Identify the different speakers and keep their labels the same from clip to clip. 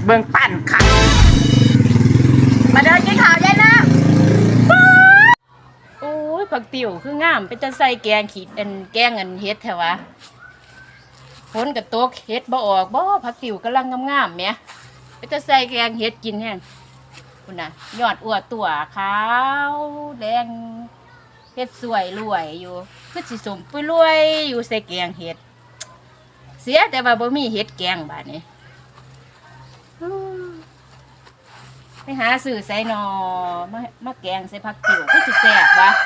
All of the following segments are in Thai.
Speaker 1: เบิ่งปั่นค่ะมาเดินกินข้าวได้นะ
Speaker 2: โอ้ยผักติ๋วคืองามเป็นจะใส่แกงขีดแกงเฮ็ดแถวะฝนกับตกเฮ็ดบ่ออกบ่ผักติ๋วกำลังงามๆแหมเป็นจะใส่แกงเฮ็ดกินแห้งคุณน่ะยอดอวดตัวขาวแดงเฮ็ดสวยรวยอยู่คือสิสมปุยรวยอยู่ใส่แกงเฮ็ดเสียแต่ว่าบ่มีเฮ็ดแกงบาดนี้ไปหาซื้อใส่หนอมาแกงใส่ผักติ๋วคือสิแซ่บวะ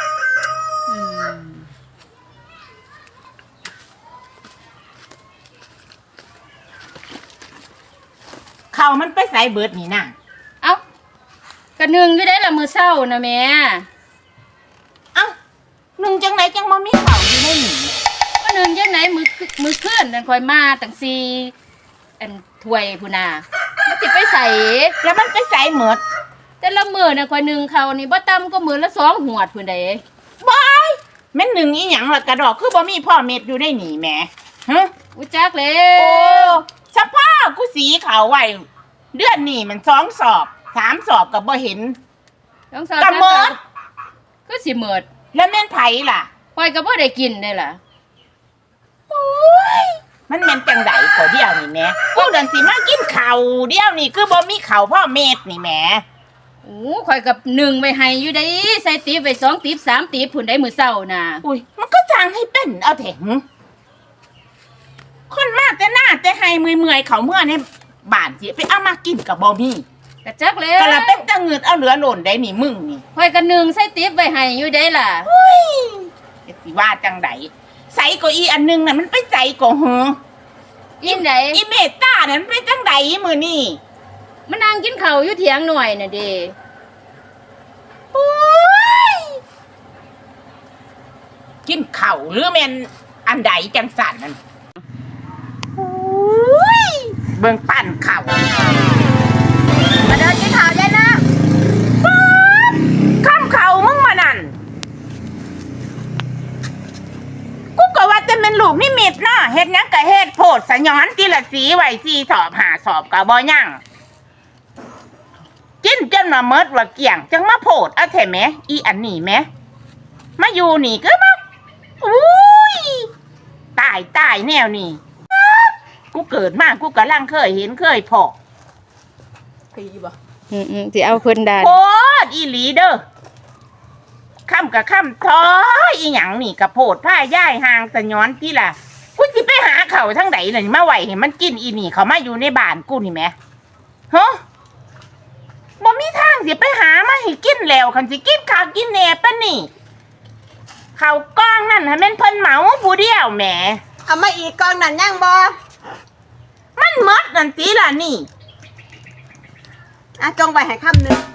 Speaker 1: ข้าวมันไปใส่เบิดนี่น่ะ
Speaker 2: เอ้ากระนึงอยู่ได้ละมื้อเช้านะแม่
Speaker 1: เอ้านึ่งจังไหนจังบ่มีข้าวอยู่ในนี่
Speaker 2: กระนึงจังไหนมื้อคืนนั่นค่อยมาตั้งถ้วยพุ่นน่ะมันสิไปใส่
Speaker 1: แล้วมันไปใส่หมด
Speaker 2: แต่ละมื้อน่ะค่อยนึ่งข้าวนี่บ่ต่ำก็มื้อละ2หวดพุ่นเด้
Speaker 1: บายแม่นหนึ่งอีหยังล่ะกระดอกคือบ่มีพ่อเม็ดอยู่ในนี่แหมฮะ
Speaker 2: อุจักแล้
Speaker 1: โอ้
Speaker 2: ว
Speaker 1: สภาพกูสีขาวไว้เดือนนี้มัน2 สอบ3 สอบก็บ่เห็น
Speaker 2: 2 สอบ
Speaker 1: ก็หมด
Speaker 2: ก็สิหมด
Speaker 1: แล้วแม่นไผล่ะ
Speaker 2: ข่อยก็บ่ได้กินได้ล่ะ
Speaker 1: โอ้ยมันแม่นจังได๋ก็เดียวนี่แหมกูเดินสิมากินข้าวเดียวนี่คือบ่มีข้าวพ่อเม็ดนี่แหม
Speaker 2: โอ้ข่อยกับ1ไว้ให้อยู่ได้ใส่ติ๊บไว้2ติ๊บ3ติ๊บพุ่นได้มื้อเช้าน่ะ
Speaker 1: อุ้ยมันก็สั่งให้เป็นเอาแถงคนมาแต่หน้าแต่ให้เมื่อยๆเขาเมื่อในบ้านสิไปเอามากินกับบ่มี
Speaker 2: กะจักแล้ว
Speaker 1: ก็ละเป็นตะเงิดเอาเหลือหล่นได้นี่มึงนี่
Speaker 2: ข่อยก็1ใส่ติ๊บไว้ให้อยู่ได้ล่ะ
Speaker 1: อุ้ยสิว่าจังไดใส่ก็อีอันนึงน่ะมันไปใส่ก็หือ
Speaker 2: อินได
Speaker 1: อีเมตตานั่นไปจังไดมื้อนี้
Speaker 2: มานั่งกินข้าวอยู่เถียงหน่อยน่ะเด้
Speaker 1: โอ้ยกินข้าวหรือแม่นอันใดจังสั่นนั่นโอ้ยเบิ่งปั่นข้าวมาเดินกินข้าวได้นะป๊าดข้ามข้าวมึงมานั่นกูก็ว่าแต่เป็นลูกนิมิตเนาะเฮ็ดหยังก็เฮ็ดโพดสะย้อนทีละสีไว้4 สอบ5 สอบก็บ่ยังกินจนมาเมิดว่าเกี่ยงจังมาโพดเอาแท้แหมอีอันนี้แหมมาอยู่นี่ก็มาอุ้ยตายแนวนี้กูเกิดมากูกำลังเคยเห็นเคยพอพี่บ่
Speaker 2: สิเอาเพิ่นได้
Speaker 1: โพดอีหลีเด้อค่ำกับค่ำท้ออีหยังนี่กับโพดผ้าย่ายห่างสะย้อนที่ล่ะกูสิไปหาเขาทั้งไหนเลยมาไหวเห็นมันกินอีนี่เขามาอยู่ในบ้านกูนี่แหมฮะบ่มีทางสิไปหามาให้กินแล้วคันสิกินข้าวกินแหนปะนี่ข้าวกล้องนั่นให้แม่นเพิ่นเหมาผู้เดียวแหม
Speaker 3: เอามาอีกกองนั่นยังบ่
Speaker 1: มันหมดนั่นติล่ะนี่
Speaker 3: จงไว้ให้คำนึง